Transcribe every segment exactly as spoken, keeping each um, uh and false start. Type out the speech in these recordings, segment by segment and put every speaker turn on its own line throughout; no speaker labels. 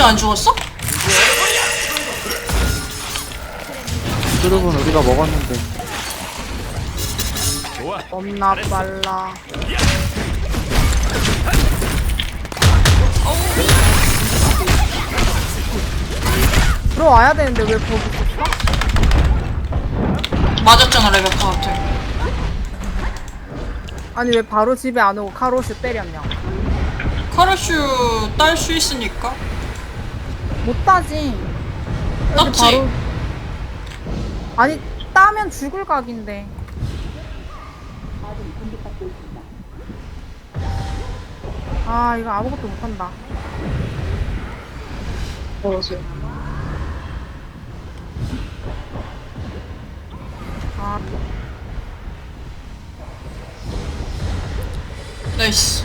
아직 안 죽었어?
그룹은 우리가 먹었는데.
겁나 빨라. 들어와야 되는데 왜 거기 있었어?
맞았잖아 레베카한테.
아니 왜 바로 집에 안 오고 카로슈 때렸냐?
카르슈 딸 수 있으니까.
못 따지.
땄지.
바로... 아니 따면 죽을 각인데. 아 이거 아무것도 못한다.
뭐지?
아
나이스.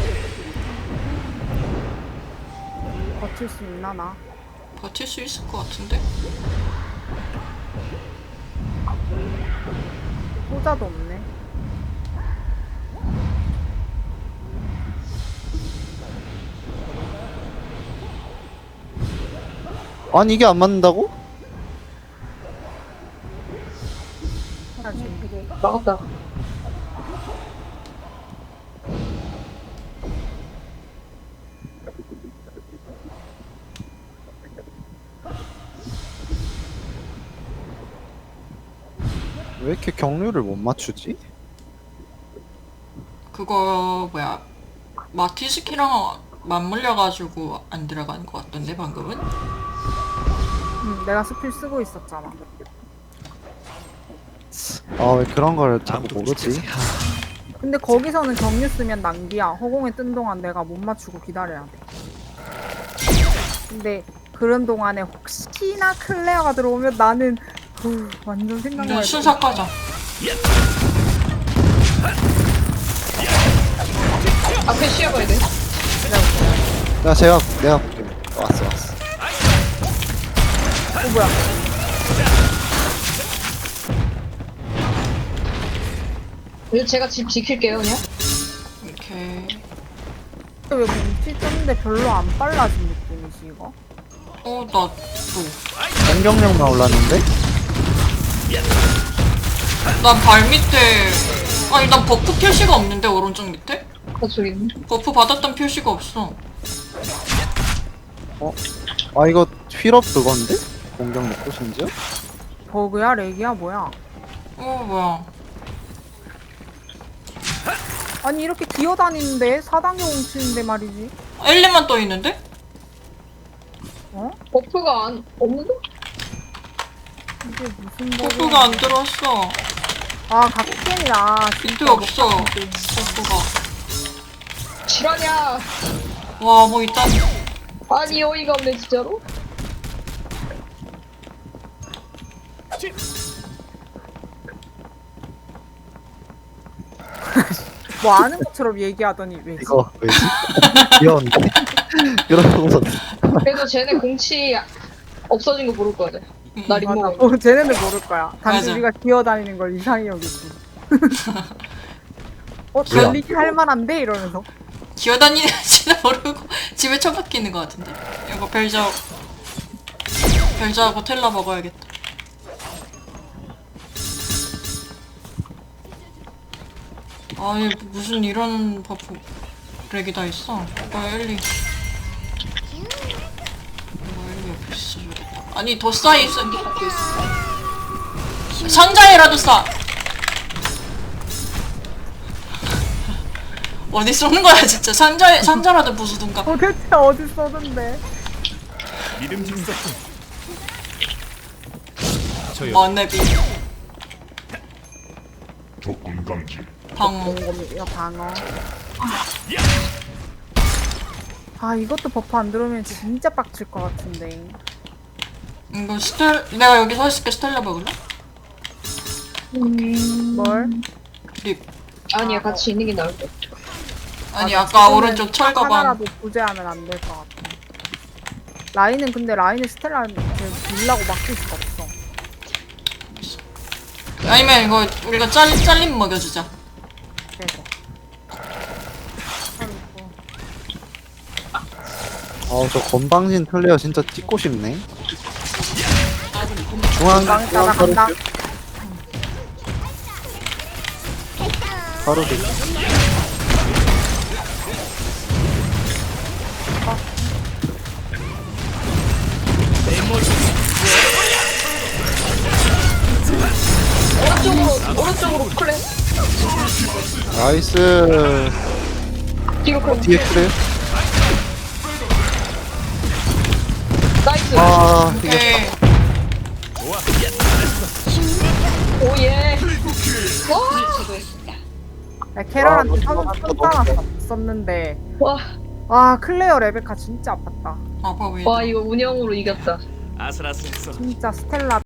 버틸 수 있나 나?
버틸 수 있을 것 같은데?
호자도 없네.
아니 이게 안 맞는다고?
해야지.
막았다.
왜 이렇게 경류를 못 맞추지?
그거 뭐야 마티스키랑 맞물려가지고 안 들어가는 것 같던데 방금은?
응, 내가 스킬 쓰고 있었잖아.
아 왜 그런 걸 자꾸 모르지?
근데 거기서는 경유 쓰면 낭비야. 허공에 뜬 동안 내가 못 맞추고 기다려야 돼. 근데 그런 동안에 혹시나 클레어가 들어오면 나는 후, 완전 생각만
근데
해도
순삭 가자.
앞에 쉬어봐야 돼.
야 제가 내가 볼게. 왔어 왔어.
어 뭐야?
이제 제가 집 지킬게요, 그냥.
오케이.
왜 뭉치 떴는데 별로 안 빨라진 느낌이지 이거?
어 나도.
공격력만 올랐는데?
난 발 밑에 아니 난 버프 표시가 없는데 오른쪽 밑에?
어, 저기 있네.
버프 받았던 표시가 없어.
아 이거 휠업 그건데? 공격력 끝인지요?
버그야 렉이야 뭐야?
어 뭐야.
아니 이렇게 기어다니는데 사 단계 뭉치는데 말이지.
엘리만 떠 있는데?
어?
버프가 안, 없는데?
이게 무슨 버그야?
버프가 안 들어왔어.
아 각겜이라
밑에 없어. 버프가.
실화냐?
와 뭐 일단
아니, 어이가 없네, 진짜로.
뭐 아는 것처럼 얘기하더니 왜지?
이거 왜지? 귀여운데? 그러고서
그래도 쟤네 공치 없어진 거 모를 거야. 나
맞아.
림모.
어, 쟤네는 모를 거야. 단지
맞아.
우리가 기어다니는 걸 이상히 여기지. 어,
왜요?
달리기 할 만한데? 이러면서.
기어다니는지는 모르고 집에 처박혀 있는 것 같은데? 이거 벨저 벨저하고 텔라 먹어야겠다. 아니 무슨 이런 버프 렉이 다 있어. 이거 엘리 이거 엘리 옆에 있어줘야겠다. 아니 더 쌓여 있어. 상자에라도 쌓. 어디 쏘는 거야 진짜. 상자에 상자라도 부수든가.
도대체 어디 쏘던데?
이름 진짜 저요.
머네비
조건 감지.
방어.
이거 방어. 아, 이것도 버프 안 들어오면 진짜 빡칠 것 같은데.
이거 스텔 내가 여기 서 있을게. 스텔라 먹을래?
뭘?
립.
아니야, 같이 있는 게 나을 것 같아.
아니
아,
아까
지금은
오른쪽 철거반.
하나라도 부재하면 안 될 것 같아. 라인은 근데 라인을 스텔라를 밀라고 막힐 수가 없어.
아니면 이거 우리가 짤 잘림 먹여주자.
그래서.
아저 건방진 플레이어 진짜 찍고 싶네. 중앙
건방에
중앙
따라간다.
가르쳐. 바로 돼.
오른쪽으로 오른쪽으로 클레
나이스.
뒤로 클레
뒤에 그래.
나이스
아 이게
오케이.
오예
야, 캐럴한테
아,
선,
너무
선
너무
따놨었는데
와,
와 클레어 레베카 진짜 아팠다.
아빠 왜?
와 이거 운영으로 이겼다
아슬아슬했어.
진짜 스텔라